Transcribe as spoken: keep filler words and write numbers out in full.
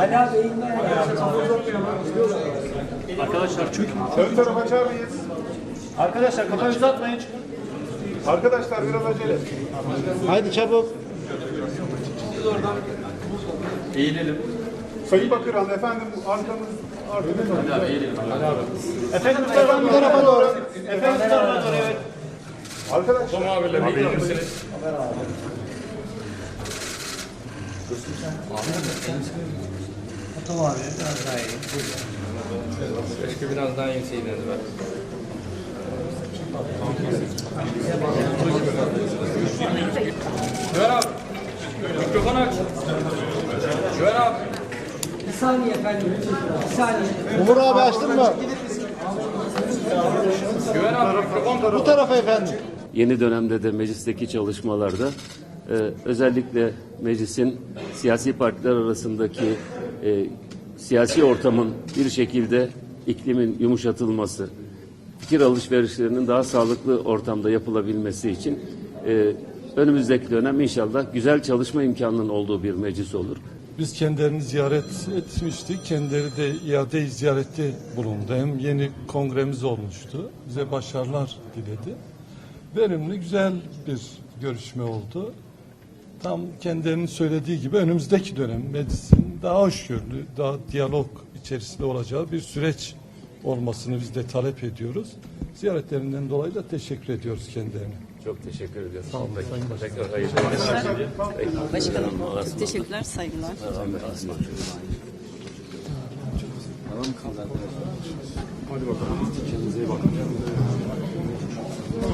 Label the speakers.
Speaker 1: Hala beyinler ya.
Speaker 2: Arkadaşlar çünkü
Speaker 3: Ön taraf açar mıyız?
Speaker 2: arkadaşlar kafayı uzatmayın.
Speaker 3: Arkadaşlar biraz acele.
Speaker 4: Haydi çabuk.
Speaker 2: Eğilelim.
Speaker 3: Sayın Bakırhan efendim arkamız arkamız.
Speaker 2: Hadi abi eğilelim. Hadi abi. Efendim bu tarafa, bu tarafa doğru. Efendim bu tarafa doğru evet.
Speaker 3: Arkadaşlar.
Speaker 2: Tamam abiyle eğilir misiniz?
Speaker 1: Tamam abi biraz daha iyi.
Speaker 2: Keşke biraz daha inseydiniz be. Güven abi. Mikrofonu aç. Güven abi.
Speaker 1: Bir saniye efendim. Bir saniye.
Speaker 4: Umur abi açtın mı?
Speaker 2: Güven abi mikrofon.
Speaker 4: Bu tarafa efendim.
Speaker 5: Yeni dönemde de meclisteki çalışmalarda e, özellikle meclisin siyasi partiler arasındaki e, siyasi ortamın bir şekilde iklimin yumuşatılması, fikir alışverişlerinin daha sağlıklı ortamda yapılabilmesi için e, önümüzdeki dönem inşallah güzel çalışma imkanının olduğu bir meclis olur.
Speaker 6: Biz kendilerini ziyaret etmiştik. Kendileri de iade ziyarette bulundu. Hem yeni kongremiz olmuştu. Bize başarılar diledi. Verimli, güzel bir görüşme oldu. Tam kendilerinin söylediği gibi önümüzdeki dönem meclisin daha hoşgörülü, daha diyalog içerisinde olacağı bir süreç olmasını biz de talep ediyoruz. Ziyaretlerinden dolayı da teşekkür ediyoruz kendilerine.
Speaker 5: Çok teşekkür ediyoruz.
Speaker 6: Sağ olun. Sayın Başkanım.
Speaker 5: Tekrar hayırlı olsun.
Speaker 7: Başkanım, çok teşekkürler, saygılar.
Speaker 5: Hadi bakalım. Kendinize iyi bakın.